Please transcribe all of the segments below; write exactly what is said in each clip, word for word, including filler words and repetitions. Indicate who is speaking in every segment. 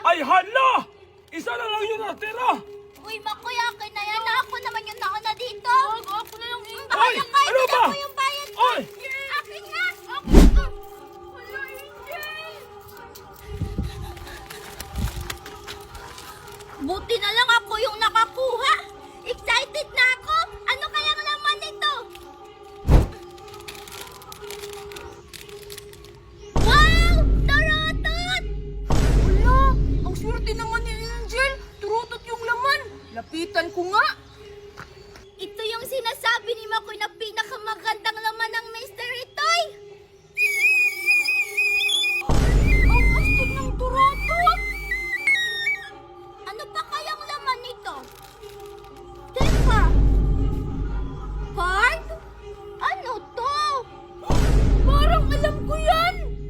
Speaker 1: Ay hala! Isa na lang yung natira!
Speaker 2: Uy, Makoy, akin na yan. Ako naman yung nauna dito.
Speaker 3: Ako na yung
Speaker 2: Mm,
Speaker 3: ina.
Speaker 2: bahala ka.
Speaker 1: ano
Speaker 2: Ito
Speaker 1: ba?
Speaker 2: na po yung bayad ko.
Speaker 1: Oy!
Speaker 2: Akin na.
Speaker 3: Ako na. Wala, Angel.
Speaker 2: Buti na lang ako yung nakakuha. Excited na ako. Ano kayang laman nito? Wow! Torotot!
Speaker 3: Wala, ang swerte naman ni Angel. Turutot yung laman. Lapitan ko nga.
Speaker 2: Ito yung sinasabi ni Makoy na pinakamagandang laman ng mystery toy.
Speaker 3: Ang astig ng turutot.
Speaker 2: Ano pa kayang laman nito? Teka! Card? Ano to?
Speaker 3: Parang alam ko yan.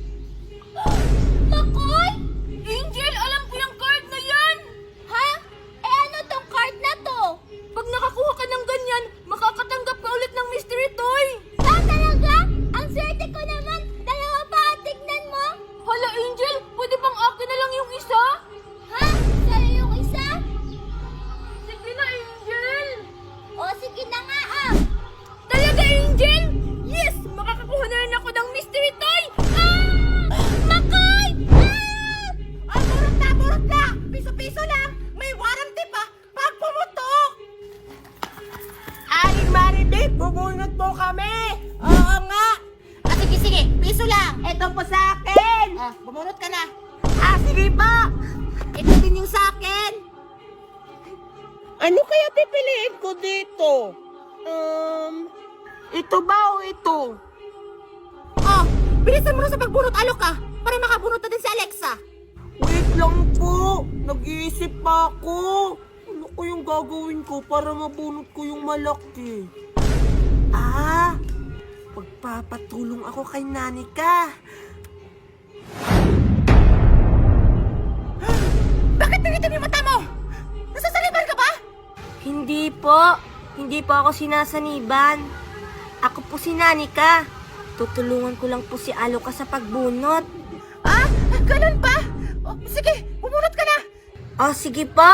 Speaker 2: Makoy?
Speaker 3: Angel, alam ko yung card na yan.
Speaker 2: Ha? Eh ano tong card na to?
Speaker 3: Pag nakakuha ka ng ganyan, makakatanggap ka ulit ng mystery toy.
Speaker 2: Ah, talaga? Ang swerte ko naman. Dalawa pa, tignan mo.
Speaker 3: Hala, Angel, pwede bang akin na lang yung isa?
Speaker 2: Ha? Sa'yo yung isa?
Speaker 3: Sige na, Angel.
Speaker 2: O sige na nga ah.
Speaker 3: Talaga, Angel? Yes! Makakakuha na rin ako ng mystery toy!
Speaker 2: Ah! Makoy! Ah!
Speaker 3: Ah, burot na, burot na! Piso-piso lang! May warranty pa pag pumutok! Aling Maribik, bubunot po kami! Oo nga! Ah, sige, sige, piso lang! Ito po sa akin! Ah, bumunot ka na! Ah, sige po! Ito din yung sa akin!
Speaker 4: Ano kaya pipiliin ko dito? Um, ito ba o ito?
Speaker 3: Oh, bilisan mo na sa pagbunot, alok ka! Para makabunot na din si Alexa!
Speaker 4: Wait lang po. Nag-iisip pa ako. Ano ko yung gagawin ko para mabunot ko yung malaki? Ah, magpapatulong ako kay Nanika.
Speaker 3: Bakit pinito yung mata mo? Nasasaliban ka ba?
Speaker 5: Hindi po. Hindi po ako sinasaniban. Ako po si Nanika. Tutulungan ko lang po si Aloka sa pagbunot.
Speaker 3: Ah, ganun ba? Oh, sige, bumunot ka na!
Speaker 5: Oh, sige po.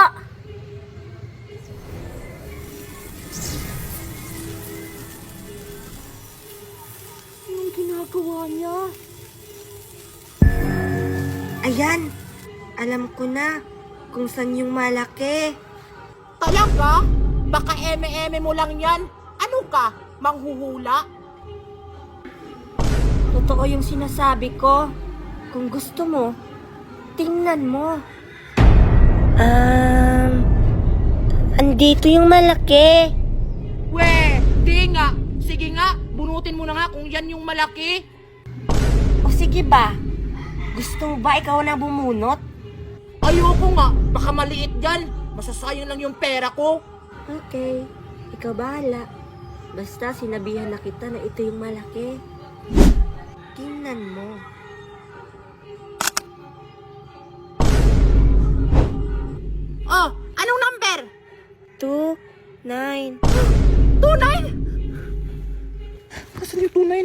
Speaker 4: Anong ginagawa niya?
Speaker 5: Ayan. Alam ko na kung saan yung malaki.
Speaker 3: Talaga? Baka eme-eme mo lang yan. Ano ka? Manghuhula?
Speaker 5: Totoo yung sinasabi ko. Kung gusto mo, tingnan mo. Um, andito yung malaki.
Speaker 3: We, di nga. Sige nga, bunutin mo na nga kung yan yung malaki.
Speaker 5: O sige ba? Gusto mo ba ikaw na bumunot?
Speaker 3: Ayoko nga, baka maliit yan. Masasayang lang yung pera ko.
Speaker 5: Okay, ikaw bahala. Basta sinabihan na kita na ito yung malaki. Tingnan mo.
Speaker 3: Oh, anong number?
Speaker 5: Two, nine.
Speaker 3: Two nine? Nasaan yung two nine?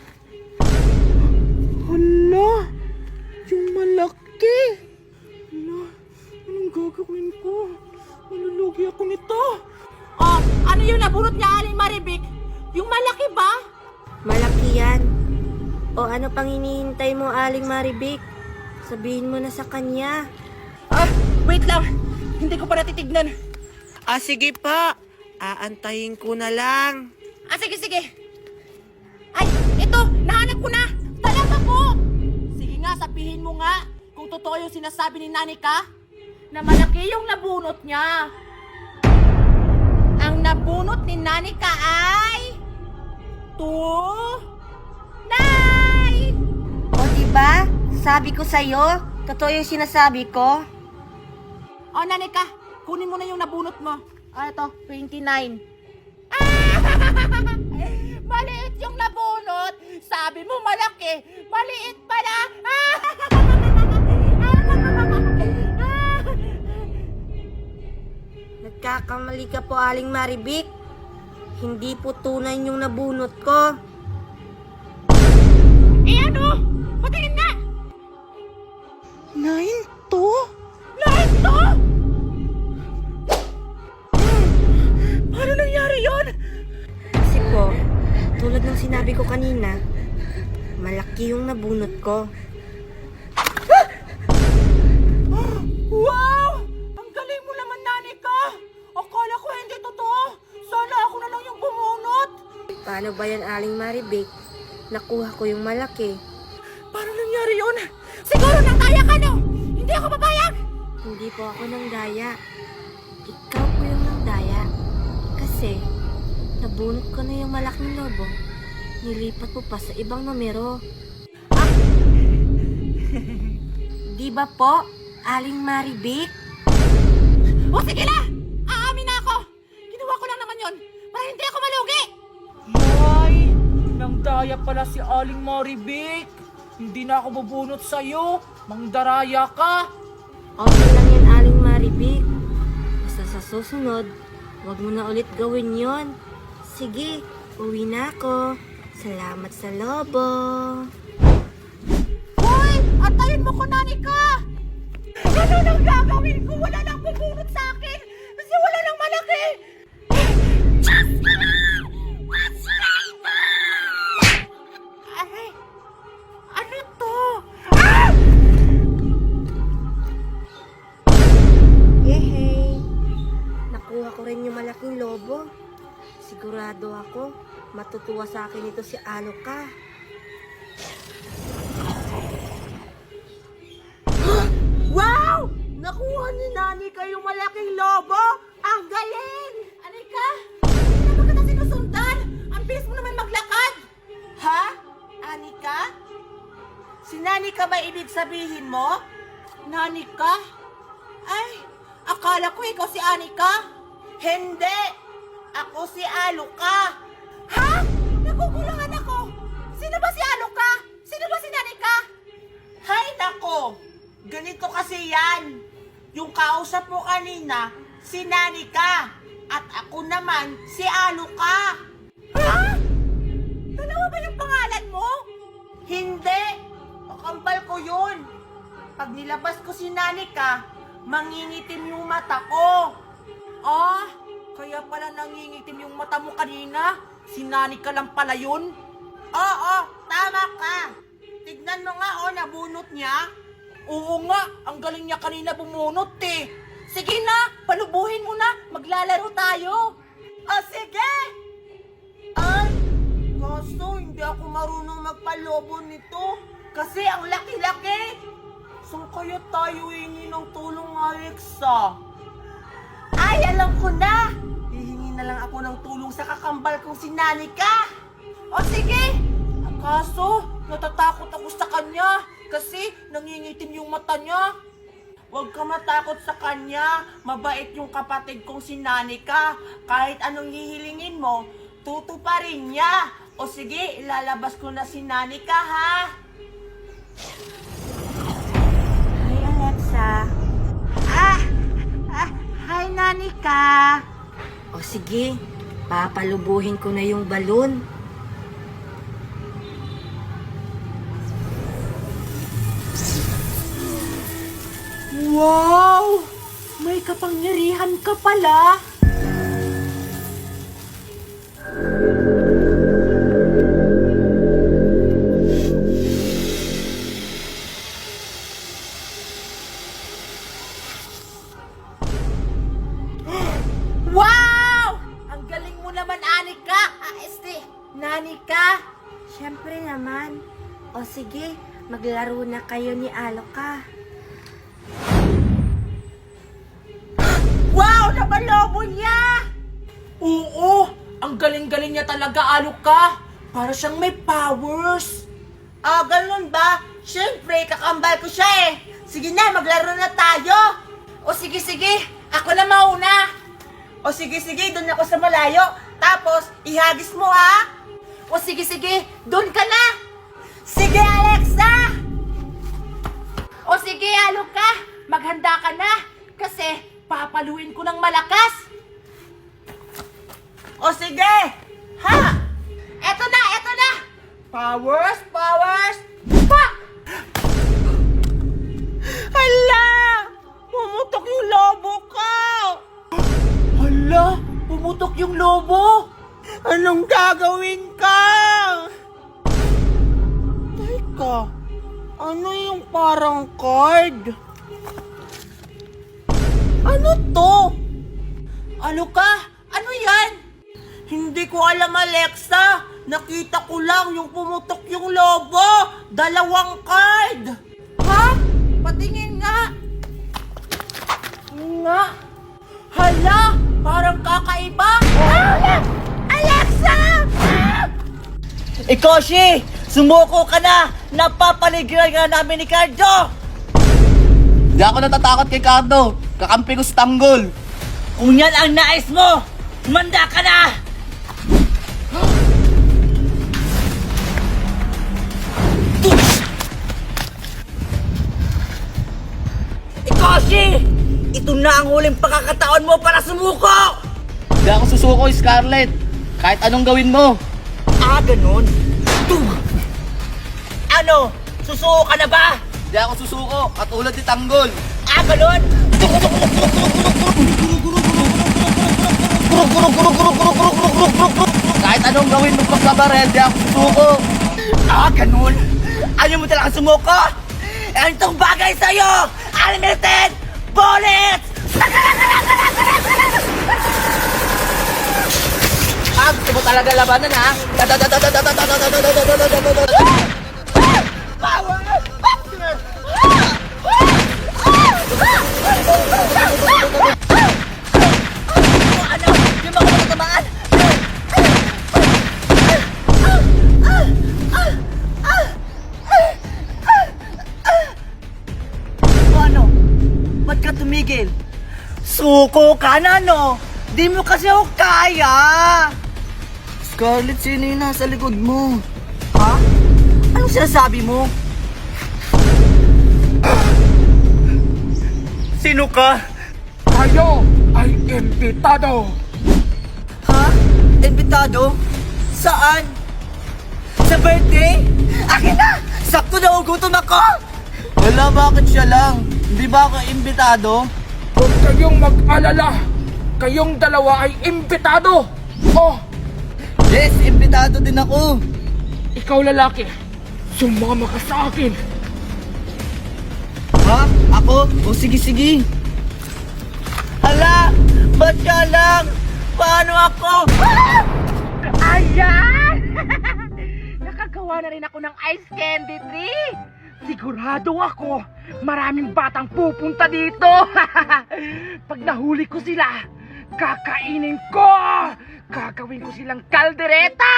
Speaker 4: Hala, yung malaki. Hala, anong gagawin ko? Malulugi ako nito.
Speaker 3: Oh, ano yung nabunot niya, Aling Maribik? Yung malaki ba?
Speaker 5: Malaki yan. O ano pang hinihintay mo, Aling Maribik? Sabihin mo na sa kanya.
Speaker 3: Ah, wait lang. Hindi ko pa natitignan.
Speaker 4: Ah, sige pa. Aantayin ko na lang.
Speaker 3: Ah, sige, sige. Ay, ito, nahanap ko na. Talaga po. Sige nga, sabihin mo nga kung totoo yung sinasabi ni Nanika na malaki yung nabunot niya. Ang nabunot ni Nanika ay two, nine.
Speaker 5: O diba? Sabi ko sa'yo, totoo yung sinasabi ko.
Speaker 3: O, Nanika, kunin mo na yung nabunot mo. Ah, ito, twenty-nine. Ah! Maliit yung nabunot. Sabi mo malaki. Maliit pala. Ah!
Speaker 5: Nagkakamali ka po, Aling Maribik. Hindi po tunay yung nabunot ko.
Speaker 3: Eh ano? Patingin nga!
Speaker 4: Nine to?
Speaker 5: Tulad ng sinabi ko kanina, malaki yung nabunot ko.
Speaker 3: Wow! Ang galing mo naman, Nanika! Akala ko hindi totoo. Sana ako na lang yung bumunot.
Speaker 5: Paano ba yan, Aling Maribik? Nakuha ko yung malaki.
Speaker 3: Paano nangyari yun? Siguro nang daya ka, no? Hindi ako papayag!
Speaker 5: Hindi po ako nang daya. Ikaw po yung nang daya. Kasi, nabunot ko na yung malaking lobo. Nilipat po pa sa ibang numero. Di ba po, Aling Maribik?
Speaker 3: O sige na! Aamin na ako! Ginawa ko lang naman yon para hindi ako malugi! Ay! Nang daya pala si Aling Maribik! Hindi na ako bubunot sa'yo! Mangdaraya ka!
Speaker 5: Okay lang yan, Aling Maribik. Basta sa susunod, wag mo na ulit gawin yon. Sige, uwi na ako. Salamat sa lobo.
Speaker 3: Hoy! Antayin mo ko, Nanika! Ano nang gagawin ko? Wala nang bubunot sa akin! Kasi wala nang malaki! Ay! Ano to? Ah!
Speaker 5: Yehey! Nakuha ko rin yung malaking lobo. Sigurado ako, matutuwa sa akin ito si Aloka.
Speaker 4: Wow! Nakuha ni Nanika yung malaking lobo! Ang galing!
Speaker 3: Anika! Hindi naman kita sinusundan! Ang bilis mo naman maglakad!
Speaker 4: Ha? Anika? Si Nanika ba ibig sabihin mo?
Speaker 3: Nanika? Ay! Akala ko ikaw si Anika!
Speaker 4: Hindi! Ako si Aloka!
Speaker 3: Ha? Nagugulangan ako! Sino ba si Aloka? Sino ba si Nanika?
Speaker 4: Hay nako! Ganito kasi yan. Yung kausap mo kanina, si Nanika. At ako naman, si Aloka.
Speaker 3: Ha? Dalawa ba yung pangalan mo?
Speaker 4: Hindi! Kakambal ko yun. Pag nilabas ko si Nanika, mangingitim yung mata ko.
Speaker 3: Ah, kaya pala nangingitim yung mata mo kanina. Si Nanika lang pala yun.
Speaker 4: Oo, tama ka. Tignan mo nga oh, nabunot niya.
Speaker 3: Oo nga, ang galing niya kanina bumunot eh. Sige na, palubuhin mo na, maglalaro tayo.
Speaker 4: O sige! Ay, kaso hindi ako marunong magpalobo nito. Kasi ang laki-laki. Saan kaya tayo hingi ng tulong, Alexa? Ay, alam ko na! Hihingi na lang ako ng tulong sa kakambal kong si Nanika.
Speaker 3: O sige, kaso natatakot ako sa kanya kasi nangingitim yung mata niya.
Speaker 4: Huwag ka matakot sa kanya. Mabait yung kapatid kong si Nanika. Kahit anong hihilingin mo, tutuparin niya. O sige, ilalabas ko na si Nanika, ha?
Speaker 5: Hi, Alexa.
Speaker 4: Ah! Ah! Hi, Nanika!
Speaker 5: O sige, papalubuhin ko na yung balon.
Speaker 3: Wow! May kapangyarihan ka pala! Wow! Ang galing mo naman, Anika! Ah, este, Nanika!
Speaker 5: Siyempre naman. O sige, maglaro na kayo ni Aloka.
Speaker 4: Wow! Napalobo niya!
Speaker 3: Oo! Ang galing-galing niya talaga, Aloka! Para siyang may powers!
Speaker 4: Ah, ganun ba? Siyempre, kakambal ko siya eh. Sige na, maglaro na tayo.
Speaker 3: O sige, sige! Ako na mauna!
Speaker 4: O sige, sige, doon ako sa malayo. Tapos, ihagis mo ha.
Speaker 3: O sige, sige! Doon ka na!
Speaker 4: Sige, Alexa!
Speaker 3: O sige, Aloka! Maghanda ka na! Kasi papaluin ko ng malakas!
Speaker 4: O sige! Ha!
Speaker 3: Eto na! Eto na!
Speaker 4: Powers, powers!
Speaker 3: Pa!
Speaker 4: Hala! Pumutok yung lobo ko!
Speaker 3: Hala! Pumutok yung lobo!
Speaker 4: Anong gagawin ko? Ano yung parang card? Ano to? Ano ka? Ano yan? Hindi ko alam, Alexa. Nakita ko lang yung pumutok yung lobo. Dalawang card. Ha? Patingin nga. Nga. Hala, parang kakaiba. Ah! Alexa! Ah!
Speaker 6: Ikoshi! Sumuko ka na! Napapaligiran ka namin ni Cardo!
Speaker 7: Di ako natatakot kay Cardo. Kakampi ko sa tanggol.
Speaker 6: Kung yan ang nais mo, manda ka na! Ikoshi! Ito na ang huling pagkakataon mo para sumuko!
Speaker 7: Di ako susuko, Scarlett. Kahit anong gawin mo.
Speaker 6: Ah, ganun? Tug! Ano? Susuko ka na ba?
Speaker 7: Di ako susuko, katulad ni Tanggol.
Speaker 6: Ah, ganun?
Speaker 7: Kahit anong gawin mo pagkabarel, di ako susuko.
Speaker 6: Ah, ganun? Ayaw mo talaga sumuko? Eh, itong bagay sa'yo! Unlimited bullets!
Speaker 7: Ah, gusto mo talaga labanan, ha?
Speaker 6: Ano? Di mo ako matatamaan? Ano? Ba't ka tumigil? Suko ka na, no? Di mo kasi ako kaya!
Speaker 7: Scarlett, sino yung nasa likod mo?
Speaker 6: Ha? Anong sinasabi mo? Sino ka?
Speaker 1: Tayo ay imbitado.
Speaker 6: Ha? Invitado? Saan? Sa birthday? Akin na! Sakto na ugutom ako!
Speaker 7: Wala, bakit siya lang? Hindi ba ako imbitado?
Speaker 1: Huwag kayong mag-alala. Kayong dalawa ay imbitado. Oh,
Speaker 7: Yes, imbitado din ako.
Speaker 1: ikaw lalaki. Sumama ka sa akin.
Speaker 7: Ha? Ako? O sige, sige.
Speaker 6: Hala! Ba't ka lang? Paano ako?
Speaker 3: Ayan! Nakagawa na rin ako ng ice candy tree. Sigurado ako, maraming batang pupunta dito. Pag nahuli ko sila, kakainin ko. Gagawin ko silang kaldereta.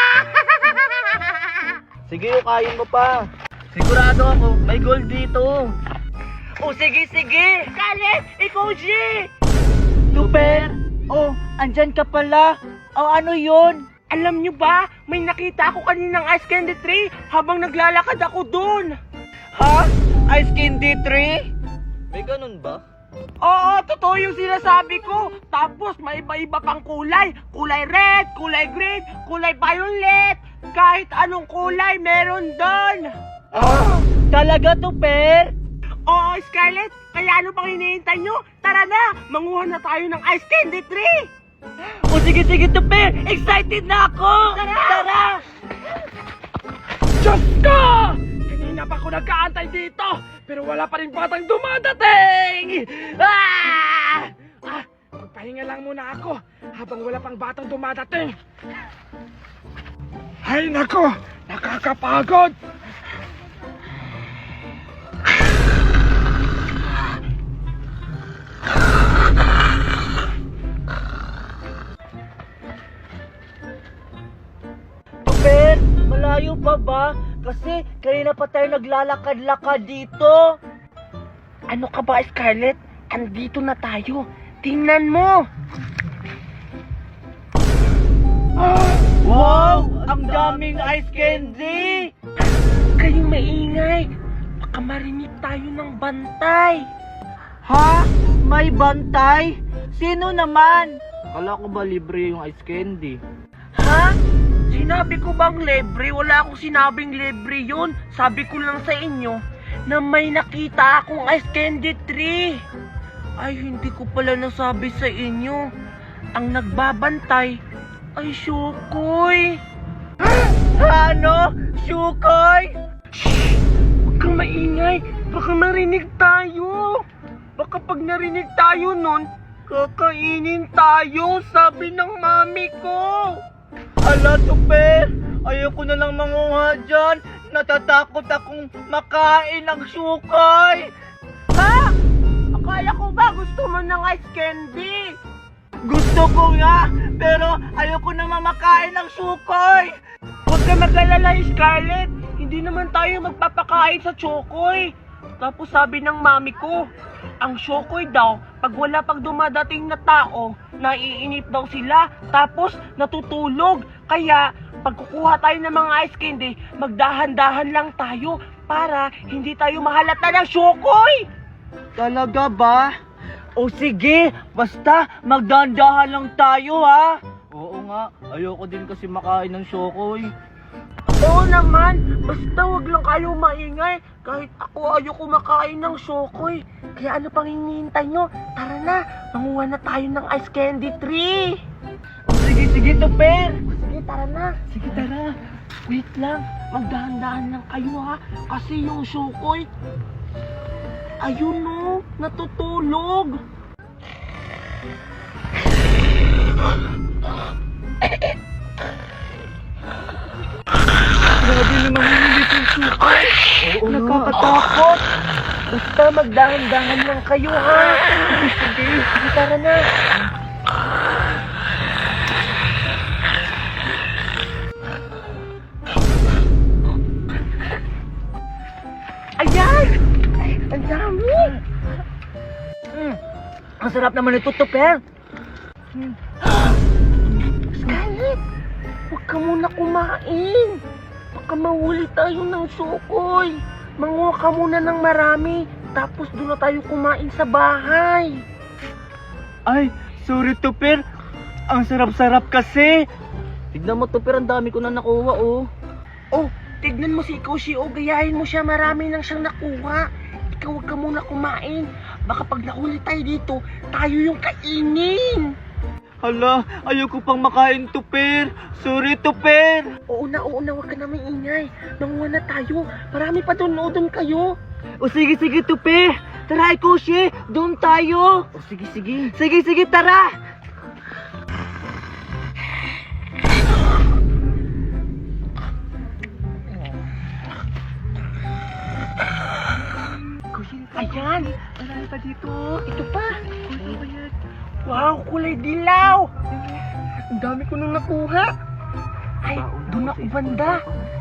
Speaker 7: Sige, kain mo pa. Sigurado ako, may gold dito.
Speaker 6: O sige, sige!
Speaker 3: Galit, ikaw, G!
Speaker 6: Super! Oh, andyan ka pala. O ano yun?
Speaker 3: Alam nyo ba, may nakita ako kaninang ice candy tree habang naglalakad ako dun.
Speaker 6: Ha? Ice candy tree?
Speaker 7: May ganun ba?
Speaker 3: Oo, totoo yung sinasabi ko. Tapos may iba-iba pang kulay. Kulay red, kulay green, kulay violet. Kahit anong kulay meron doon.
Speaker 6: Ah, talaga to, Per?
Speaker 3: Oo, Scarlett. Kaya ano pang hinihintay nyo? Tara na, manguha na tayo ng ice candy tree.
Speaker 6: O sige, sige to, Per! Excited na ako!
Speaker 3: Tara!
Speaker 6: Tara!
Speaker 1: Diyos ko! Kanina pa ako nagkaantay dito, pero wala pa rin batang dumadating! Ah! Ah, magpahinga lang muna ako habang wala pang batang dumadating. Ay nako, nakakapagod!
Speaker 6: Per, malayo pa ba? Kasi kanina pa tayo naglalakad-lakad dito.
Speaker 3: Ano ka ba, Scarlett? Andito na tayo. Tingnan mo.
Speaker 6: Wow! Ang daming ice candy!
Speaker 3: Kayong maingay. Baka marinig tayo ng bantay.
Speaker 6: Ha? May bantay? Sino naman?
Speaker 7: Kala ko ba libre yung ice candy?
Speaker 3: Ha? Sinabi ko bang libre? Wala akong sinabing libre yun. Sabi ko lang sa inyo na may nakita akong ice candy tree. Ay, hindi ko pala nasabi sa inyo. Ang nagbabantay ay Shukoy.
Speaker 6: Ano? Shukoy?
Speaker 3: Huwag
Speaker 1: kang maingay. Baka marinig tayo. Baka pag narinig tayo nun, kakainin tayo, sabi ng mami ko.
Speaker 6: Ala, Tuper! Ayoko na lang manguha dyan. Natatakot akong makain ng sukay.
Speaker 4: Ha? Akala ko ba gusto mo ng ice candy?
Speaker 6: Gusto ko nga, pero ayoko na mamakain ng sukay.
Speaker 1: Huwag ka mag-alala, Scarlett. Hindi naman tayo magpapakain sa chokoy. Tapos sabi ng mami ko, ang chokoy daw, pag wala pang dumadating na tao, naiinip daw sila, tapos natutulog. Kaya, pag kukuha tayo ng mga ice candy, magdahan-dahan lang tayo para hindi tayo mahalata ng chokoy.
Speaker 6: Talaga ba? O sige, basta magdandahan lang tayo ha. Oo nga, ayoko din kasi makain ng syokoy.
Speaker 1: Oo naman, basta wag lang kayo maingay. Kahit ako ayoko makain ng chokoy. Kaya ano pang hinihintay nyo? Tara na, manguha na tayo ng ice candy tree.
Speaker 6: Sige, sige, Tuper.
Speaker 1: Sige, tara na. Sige, tara. Wait lang, magdahan-dahan lang kayo ha. Kasi yung chokoy, ayun no, natutulog. Grabe naman hinilit yung chokoy. Oo, nakakatakot. Basta magdahan-dahan lang kayo ha. Sige, sige, sige, tara na. Ayan! Ang dami!
Speaker 6: Mm. Ang sarap naman ito, Tuper.
Speaker 1: Scarlett! Huwag ka muna kumain! Baka mahuli tayo ng sukoy! Manguha ka muna ng marami, tapos doon na tayo kumain sa bahay!
Speaker 6: Ay, sorry, Tuper. Ang sarap-sarap kasi. Tignan mo, Tuper, ang dami ko na nakuha, oh.
Speaker 1: Oh, tignan mo si Koshi, oh, gayahin mo siya, marami nang siyang nakuha. Ikaw huwag ka muna kumain. Baka pag nahuli tayo dito, tayo yung kainin.
Speaker 6: Hala, ayoko pang makain, Tuper. Sorry, Tuper.
Speaker 1: Oo na, oo na, huwag ka na maingay. Manguha na tayo. Marami pa doon, o doon kayo.
Speaker 6: O sige, sige, Tuper. Tara, Koshi, doon tayo. O sige, sige. Sige, sige, tara.
Speaker 1: Ayan! Marami pa dito. Ito pa. Wow, kulay dilaw. Ang dami ko nung nakuha. Ay, doon ako banda.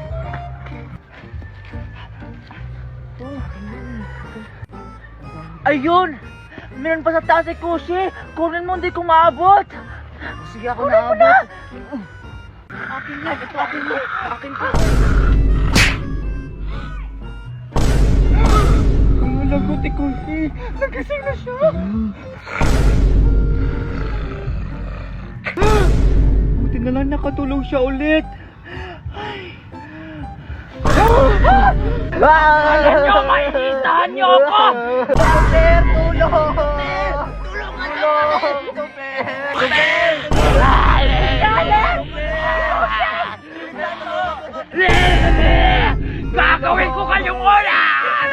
Speaker 6: Ayun! Meron pa sa taas si Koshi. Kunin mo, hindi ko maabot. Sige, ako naabot.
Speaker 1: Akin yan. Ito akin mo. Akin ko. Ang lagot ni Koshi. Nagising na siya.
Speaker 6: Buti na lang nakatulog siya ulit.
Speaker 1: Alam niyo, maiitahan niyo ako!
Speaker 6: Tuper, tulong! Tulungan natin! Tuper! Tuper!
Speaker 1: Gagawin ko kayong ulan!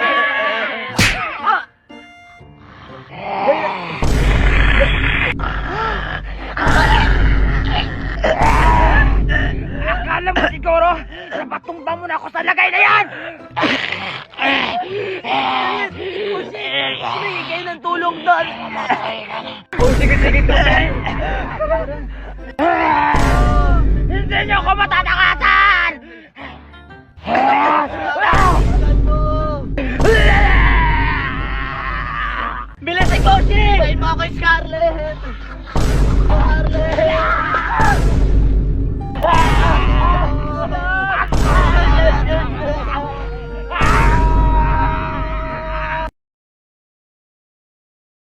Speaker 1: Akala mo siguro, napatumba mo na ako sa lagay na yan!
Speaker 6: Humingi kayo ng tulong doon!
Speaker 1: Oh, sige, sige, Tuper! Hindi niyo ako matatakasan!
Speaker 6: Bilis si Koshi! Bayin mo ako, Scarlett!